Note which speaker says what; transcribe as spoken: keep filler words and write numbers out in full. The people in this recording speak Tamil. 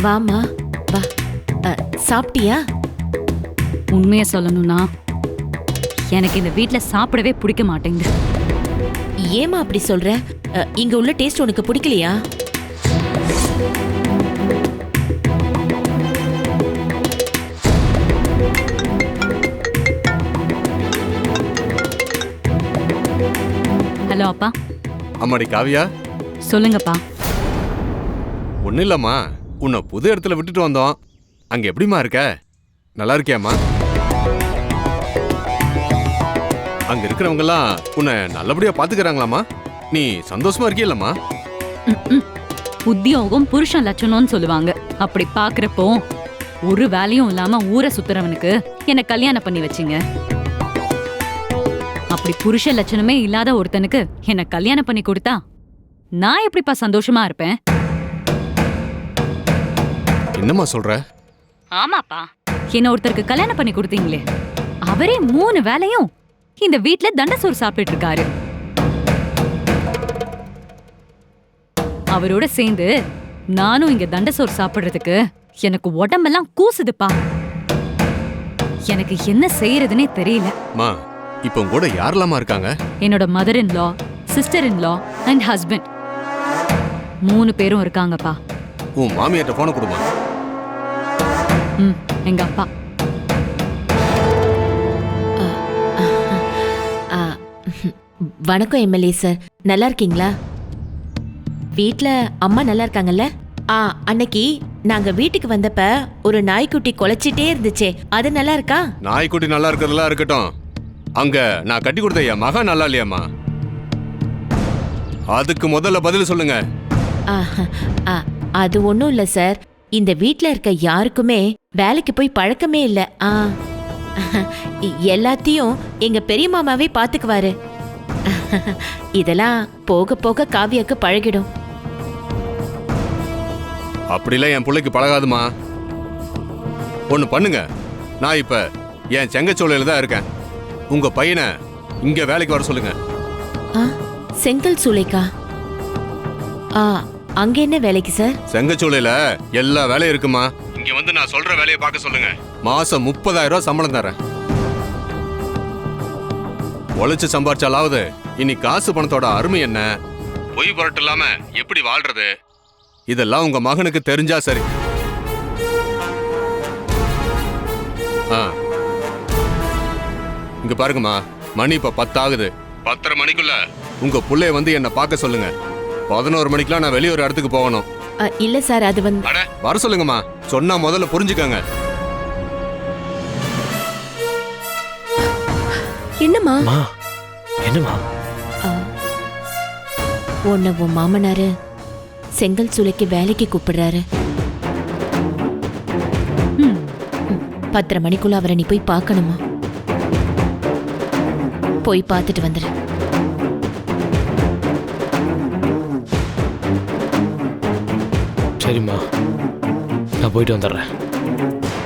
Speaker 1: வாமா வா. அ, சாப்பிட்டியா?
Speaker 2: உண்மையை சொல்லணும்னா எனக்கு இந்த வீட்ல சாப்பிடவே பிடிக்க மாட்டேங்குது.
Speaker 1: ஏமா அப்படி சொல்ற? அ, இங்க உள்ள டேஸ்ட் உனக்கு பிடிக்கலையா?
Speaker 2: ஹலோ அப்பா.
Speaker 3: அம்மாடி காவியா,
Speaker 2: சொல்லுங்கப்பா.
Speaker 3: ஒன்றும் இல்லம்மா, உன்னை புது இடத்துல விட்டுட்டு வந்தோம். அங்க எப்படிம்மா இருக்க? நல்லா இருக்கியாம்மா? அங்க இருக்கிறவங்க எல்லாம் உன்னை நல்லபடியா பாத்துக்கிறாங்களாம்மா? நீ சந்தோஷமா இருக்கியல்லம்மா?
Speaker 2: ம்ம். உத்தியோகம் புருஷன் லட்சணம்னு சொல்லுவாங்க. அப்படி பாக்குறப்போ ஒரு வேலையும் இல்லாம ஊரை சுத்துறவனுக்கு என்ன கல்யாணம் பண்ணி வச்சீங்க. அப்படி புருஷ லட்சணமே இல்லாத ஒருத்தனுக்கு என்ன கல்யாணம் பண்ணி கொடுத்தா நான் எப்படிப்பா சந்தோஷமா இருப்பேன்?
Speaker 3: என்னம்மா சொல்ற?
Speaker 2: ஆமாப்பா, என்ன ஒருத்தருக்கு கல்யாணம் பண்ணி கொடுத்தீங்களே, அவரே மூணு வேலையும் இந்த வீட்ல தண்டசோறு சாப்பிட்டு இருக்காரு. அவரோட சேர்ந்து நானும் இங்க தண்டசோறு சாப்பிடுறதுக்கு எனக்கு உடம்பெல்லாம் கூசுதுப்பா. எனக்கு என்ன செய்யறதுனே தெரியல.
Speaker 3: மா, இப்போ உங்க கூட யாரெல்லாமா இருக்காங்க?
Speaker 2: என்னோட mother in law, sister in law and husband மூணு பேரும் இருக்காங்கப்பா.
Speaker 3: உன் மாமியார்ட்ட போன கொடுமா.
Speaker 2: ம், எங்க அப்பா.
Speaker 1: அ, வணக்கம் எம்எல்ஏ சார், நல்லா இருக்கீங்களா? வீட்ல அம்மா நல்லா இருக்காங்கல்ல? ஆ, அன்னைக்கு நாங்க வீட்டுக்கு வந்தப்ப ஒரு நாய்க்குட்டி குலைச்சிட்டே இருந்துச்சே, அது நல்லா இருக்கா?
Speaker 3: நாய்க்குட்டி நல்லா இருக்கிறதெல்லாம் இருக்கட்டும், அங்க நான் கட்டி கொடுத்த என் மகன் நல்லா இல்லையாம்மா? அதுக்கு முதல்ல பதில் சொல்லுங்க.
Speaker 1: ஆ, ஆ, அது ஒன்றும் இல்லை சார், இந்த வீட்டில் இருக்க யாருக்குமே வேலைக்கு போய் பழக்கமே இல்லை. ஆ, எல்லாத்தையும் எங்க பெரிய மாமாவே பார்த்துக்குவாரு. இதெல்லாம் போக போக காவியாக்கு பழகிடும்.
Speaker 3: அப்படிலாம் என் பிள்ளைக்கு பழகாதுமா. ஒன்று பண்ணுங்க, நான் இப்ப என் செங்கச்சோலையில தான் இருக்கேன். உங்க பையனை இங்க வேலைக்கு வர சொல்லுங்க.
Speaker 1: ஆ, செங்கல் சூளைக்கா? ஆ, அங்க என்ன வேலைக்கு சார்?
Speaker 3: செங்கச்சோலையில எல்லா வேலையும் இருக்குமா. இங்க வந்து நான் சொல்ற வேலையை பார்க்க சொல்லுங்க. மாசம் முப்பதாயிரம் ரூபாய் சம்பளம் தரேன். உழைச்சு சம்பாரிச்சாலாவது இனி காசு பணத்தோட அருமை என்ன, பொய் பொருட்டு இல்லாம எப்படி வாழ்றது, இதெல்லாம் உங்க மகனுக்கு தெரிஞ்சா சரி. ஆ, இங்க பாருங்கம்மா, மணி இப்ப பத்தாகுது. பத்தரை மணிக்குள்ள உங்க புள்ளைய வந்து என்ன பார்க்க சொல்லுங்க. பதினோரு மணிக்கெல்லாம் நான் வெளியே ஒரு இடத்துக்கு போகணும்.
Speaker 1: அ, இல்ல சார், அது வந்து
Speaker 3: அட வர சொல்லுங்கம்மா, சொன்னா முதல்ல புரிஞ்சுக்கங்க.
Speaker 1: என்னம்மா?
Speaker 4: மா, என்னம்மா?
Speaker 1: உன்னை உன் மாமனாரு செங்கல் சூளைக்கு வேலைக்கு கூப்பிடுறாரு.
Speaker 2: ம்,
Speaker 1: பத்தரை மணிக்குள்ள அவரை நீ போய் பார்க்கணுமா? போய் பார்த்துட்டு வந்துரு.
Speaker 4: சரிம்மா, நான் போயிட்டு வந்துடுறேன்.